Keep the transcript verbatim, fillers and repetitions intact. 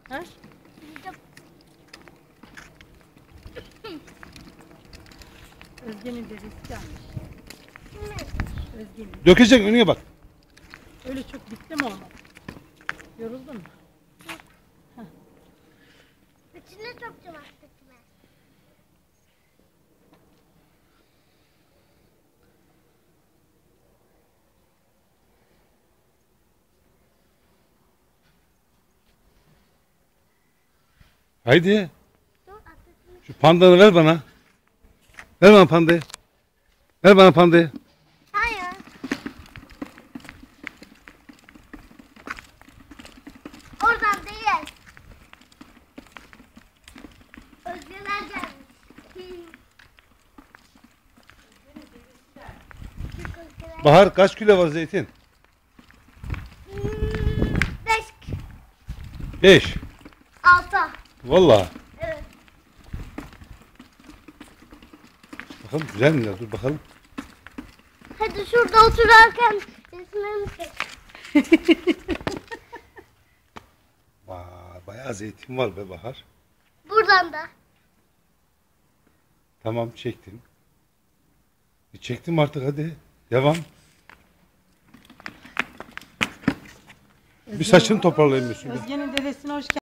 Ha? Özge'nin dedesi gelmiş. Özge'nin. Dökecek, önüne bak. Öyle çok bitti mi olmadı? Yoruldun mu? İçine sokacağım artık ben. Haydi. Dur artık. Şu pandanı ver bana. Ver bana pandayı. Ver bana pandayı. Hayır. Oradan değil. Özgeler gelmiş. Bahar, kaç kilo var zeytin? Hmm, Beş. Beş. Altı. Vallahi. Evet. Bakalım güzel mi ya? Dur bakalım. Hadi şurada otururken resmimi çek. Vay, bayağı zeytin var be Bahar. Buradan da. Tamam, çektim. E, çektim artık, hadi. Devam. Bir saçını toparlayayım bir şurada. Özge'nin dedesine hoş geldin.